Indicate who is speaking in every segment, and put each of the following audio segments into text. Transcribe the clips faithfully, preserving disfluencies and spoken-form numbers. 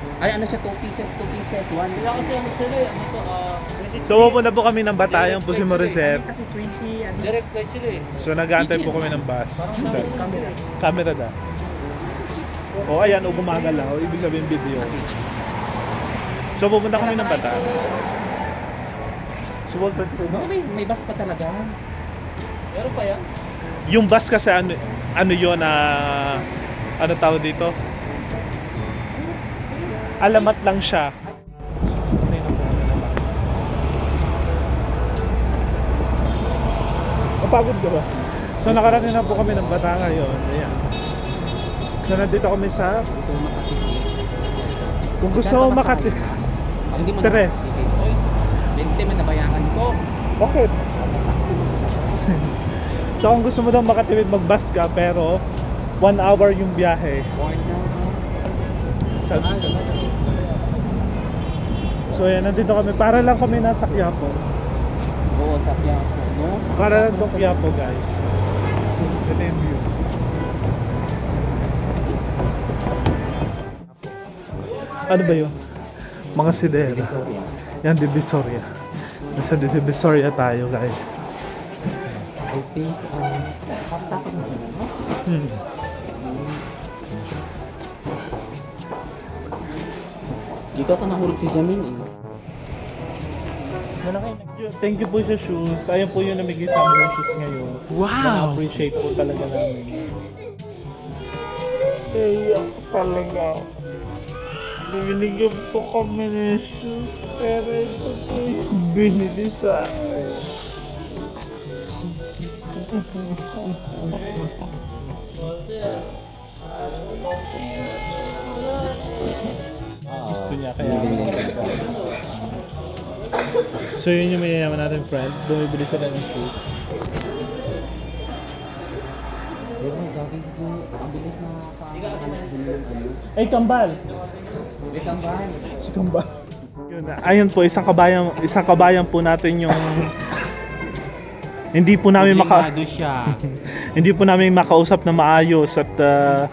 Speaker 1: Ay, ano siya, two pieces, two pieces, one.
Speaker 2: Kaya kasi ano sila eh, ano to, ah,
Speaker 3: So pupunta po kami ng Batayong po si Morissette.
Speaker 4: Kasi twenty, ano,
Speaker 2: direct flight sila eh.
Speaker 3: So nag-aantay po kami ng bus.
Speaker 4: camera.
Speaker 3: Camera na. O ayan, o gumagalaw. Ibig sabihin video. So pupunta kami ng Batayong. So Walter,
Speaker 1: No, may, may bus pa talaga.
Speaker 2: Meron pa yan?
Speaker 3: yung bus kasi ano, ano yun na ano tawag dito? Alamat lang siya. Napagod ka ba? So nakarating na po kami ng Bata ngayon. Ayan. So nandito kami sa
Speaker 1: Gusto mo makatipid.
Speaker 3: kung gusto mo Makati.
Speaker 1: Hindi mo
Speaker 3: Tres.
Speaker 1: Oy, twenty man nabayaran ko.
Speaker 3: Okay. So kung gusto mo daw makatipid mag-bus ka pero one hour yung biyahe.
Speaker 1: Born na.
Speaker 3: Sabi sa So ayan, nandito kami. Para lang kami nasa Quiapo.
Speaker 1: Oo, sa Quiapo, no?
Speaker 3: Para lang doon Quiapo, guys. So, ito yung view. Ano ba yun? Mga sidera. Yan, Divisoria. Nasa Divisoria tayo, guys.
Speaker 1: I think, um, tapos na sila, no?
Speaker 3: Hmm.
Speaker 1: Dito ako nahulog si Jamin, eh.
Speaker 3: Thank you po sa shoes. Ayan po yung namigay sa amin ng shoes ngayon. Wow! Na-appreciate po talaga namin. Kaya talaga. Binigyan po kami ng shoes. Pero ito po yung binili sa akin. Gusto niya kaya. So yun yung mayayaman natin friend. Bumibili sila ng shoes.
Speaker 1: Pero gagi ko, ang bilis na nakakahanap din yung ano.
Speaker 3: Ay, kambal!
Speaker 1: Wait ang bahay.
Speaker 3: Si kambal. Yun na. Ayun po, isang kabayan, isang kabayan po natin yung hindi po namin maka
Speaker 1: Obligado siya.
Speaker 3: hindi po namin makausap na maayos at uh,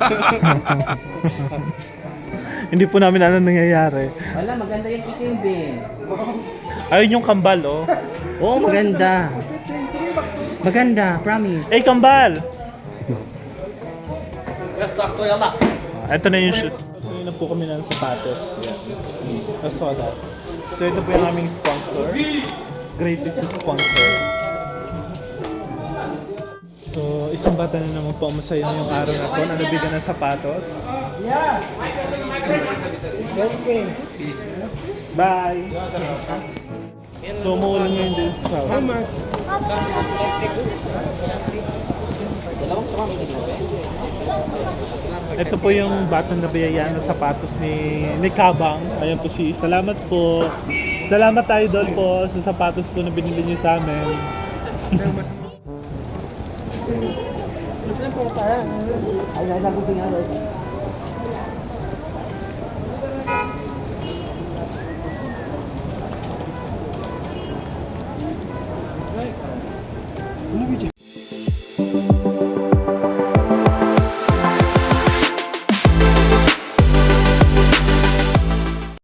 Speaker 3: hindi po namin alam nangyayari.
Speaker 1: Wala, maganda yung itim din.
Speaker 3: Ayun yung kambal, oh.
Speaker 1: Oo, maganda. Maganda, promise.
Speaker 3: Ay, kambal!
Speaker 2: Yes, sakto yan na.
Speaker 3: Ah, ito na yung shoot. Ito na po kami ng sapatos. As well as. So ito po yung aming sponsor. Greatest sponsor. So isang bata na naman po ang masaya yung araw na to na nabigyan ng sapatos. Yeah! Okay. Bye! So umuulan ngayon din sa South.
Speaker 1: Dalawang tumami na dito.
Speaker 3: Ito po yung batang nabiyayaan ng sapatos ni, ni Kabang. Ayan po si, salamat po. Salamat idol po sa sapatos po na binili niyo sa amin.
Speaker 4: Saan po tayo?
Speaker 1: Ay, nasa ko sinalo.